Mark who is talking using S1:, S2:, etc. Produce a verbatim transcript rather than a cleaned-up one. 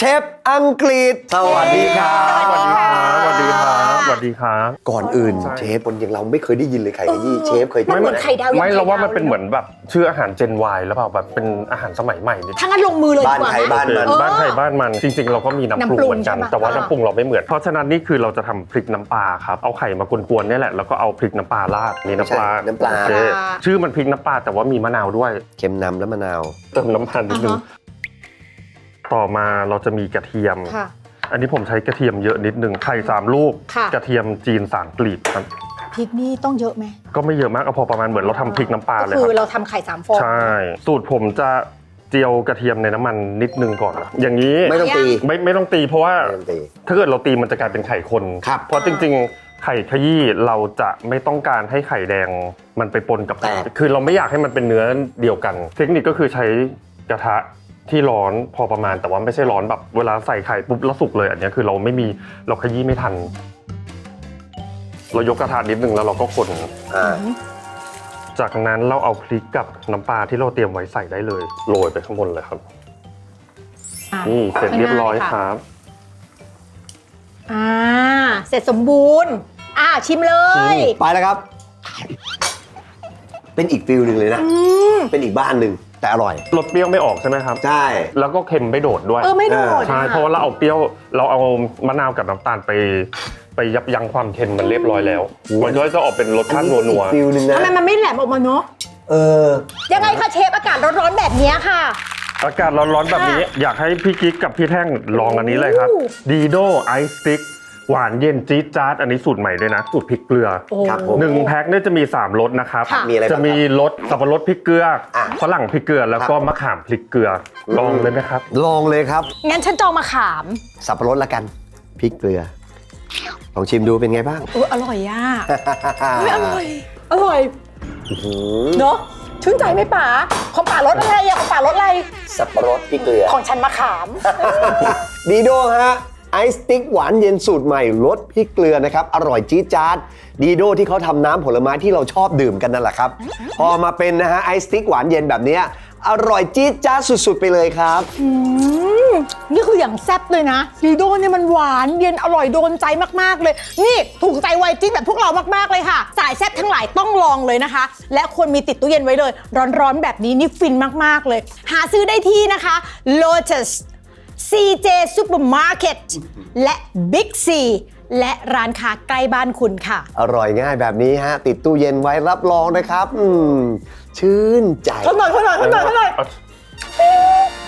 S1: เชฟอังกฤษสวัสดีครับ
S2: สวัสดีครับสวัสดีครับสวัสดีครับ
S1: ก่อนอื่นเชฟคนอย่างเราไม่เคยได้ยินเลยไข่ขยี้เชฟเคย
S3: มันเหมือนไข่ดาว
S2: ไม่เราว่ามันเป็นเหมือนแบบชื่ออาหารเจน Y แล้วเปล่าแบบเป็นอาหารสมัยใหม่นิด
S3: ถ้างั้นลงมือเลยดี
S1: บ้าน
S3: กว่า
S1: ใคร
S3: ไหม
S1: บ้านมัน
S2: บ้านใครบ้านมันจริงๆ เราก็มีน้ำปรุงเหมือนกัน
S3: น้ำปรุงใช่ปะ
S2: แต่ว่าน้ำปรุงเราไม่เหมือนเพราะฉะนั้นนี่คือเราจะทำพริกน้ำปลาครับเอาไข่มากวนๆเนี่ยแหละแล้วก็เอาพริกน้ำปลาราดนี่น้ำปลา
S1: ใช่น้ำปลา
S2: โอเคชื่อมันพริกน้ำปลาแต่ว่ามีมะนาวด้วย
S1: เค็มนำและมะนาว
S2: เติมน้ำมันนิดนึงต่อมาเราจะมีกระเทียม
S3: ค่ะ
S2: อันนี้ผมใช้กระเทียมเยอะนิดนึงไข่สามลูก
S3: ค่ะ
S2: กระเทียมจีนสามกลีบครับ
S3: พริกนี่ต้องเยอะไหม
S2: ก็ไม่เยอะมากเอาพอประมาณเหมือนเราทำพริกน้ำปลา
S3: ก็
S2: เลย
S3: คื
S2: ค
S3: อ
S2: รับ
S3: เราทำไข่สามฟอง
S2: ใช่ สูตรผมจะเจียวกระเทียมในน้ำมันนิดนึงก่อน อย่างนี้
S1: ไม่ต้องตี
S2: ไม่ไม่ต้องตีเพราะว่า
S1: ไม่ต้องตี
S2: ถ้าเกิดเราตีมันจะกลายเป็นไข่คน
S1: ครับ
S2: เพราะจริงๆ ไข่ขยี้เราจะไม่ต้องการให้ไข่แดงมันไปปนกับ
S1: แตก
S2: คือเราไม่อยากให้มันเป็นเนื้อเดียวกัน เทคนิคก็คือใช้กระทะที่ร้อนพอประมาณแต่ว่าไม่ใช่ร้อนแบบเวลาใส่ไข่ปุ๊บแล้วสุกเลยอันนี้คือเราไม่มีเราขยี้ไม่ทัน เรายกกระทะนิดนึงแล้วเราก็คน
S1: อ่า
S2: จากนั้นเราเอาพริกกับน้ำปลาที่เราเตรียมไว้ใส่ได้เลยโรยไปข้างบนเลยครับ
S3: อ่ะ
S2: นี่เสร็จเรียบร้อย
S3: ง่ายๆ
S2: ค
S3: ค่ะ
S2: รับ
S3: อ่าเสร็จสมบูรณ์อ่าชิมเลย
S1: ไปแล้วครับ เป็นอีกฟิลหนึ่งเลยนะ
S3: อืม
S1: เป็นอีกบ้านหนึ่งแต่อร่อย
S2: รสเปรี้ยวไม่ออกใช่ไหมครับ
S1: ใช่
S2: แล้วก็เค็มไม่โดดด้วย
S3: เออไม่โดด
S2: ใช่
S3: อ่
S2: เพราะว่าเราเอาเปรี้ยวเราเอามะนาวกับน้ำตาลไปไปยับยั้งความเค็มมันเรียบร้อยแล้วมันก็จะออกเป็นรสชาตินัว
S1: อันนี้เป็นอีกฟิลหนึ่งนะ
S3: ทำไมมันไม่แหลมออกมาเนาะ
S1: เออ
S3: ยังไงคะเชฟอากาศร้อนๆแบบเนี้ยค่ะ
S2: ๆอากาศร้อนๆแบบนี้ อยากให้พี่กิ๊กกับพี่แท่งลองอันนี้เลยครับ
S3: โอ้
S2: ดีโดไอซ์สติ๊กหวานเย็นจี๊ดจ๊าดอันนี้สูตรใหม่ด้วยนะสูตรพริกเกลือ
S3: โอ้
S1: ครับผม
S2: หนึ่งแพ็คเนี่ยจะมีสามรสนะครับ
S3: ค่ะ
S1: มีอะไรบ้าง
S2: จะมีรสสับปะรดพริกเกลือ
S1: อ่ะ
S2: ฝรั่งพริกเกลือแล้วก็มะขามพริกเกลือลองเลยไหมครับ
S1: ลองเลยครับ
S3: งั้นฉันจองมาขาม
S1: สับปะรดละกันพริกเกลือ ลองชิมดูเป็นไงบ้าง
S3: เอออร่อยอ่ะไม่อร่อย อร่อย
S1: อื้อหือ
S3: เนาะชื่นใจไหมป๋าของป๋ารสอะไรอะของป๋ารสอะไร
S1: สับปะรดพริกเกลือ
S3: ของฉันมะขาม
S1: ดีโดฮะไอซ์สติ๊กหวานเย็นสูตรใหม่รสพริกเกลือนะครับอร่อยจี๊ดจ๊าดดีโดที่เขาทำน้ำผลไม้ที่เราชอบดื่มกันนั่นแหละครับ พอมาเป็นนะฮะไอซ์สติ๊กหวานเย็นแบบเนี้ยอร่อยจี๊ดจ๊าดสุดๆไปเลยครับ
S3: อืมนี่คืออย่างแซ่บเลยนะดีโดเนี่ยมันหวานเย็นอร่อยโดนใจมากๆเลย นี่ถูกใจวัยจิ้นแบบพวกเรามากๆเลยค่ะ สายแซ่บทั้งหลายต้องลองเลยนะคะ และควรมีติดตู้เย็นไว้เลย ร้อนๆแบบนี้นี่ฟินมากๆเลย หาซื้อได้ที่นะคะ Lotus ซี เจ Supermarket และ Big C และร้านค้าใกล้บ้านคุณค่ะ
S1: อร่อยง่ายแบบนี้ฮะติดตู้เย็นไว้รับรองนะครับ อืมชื่นใจ
S3: ทนหน่อยทนหน่อยทนหน่อยทนหน่อย
S2: เอา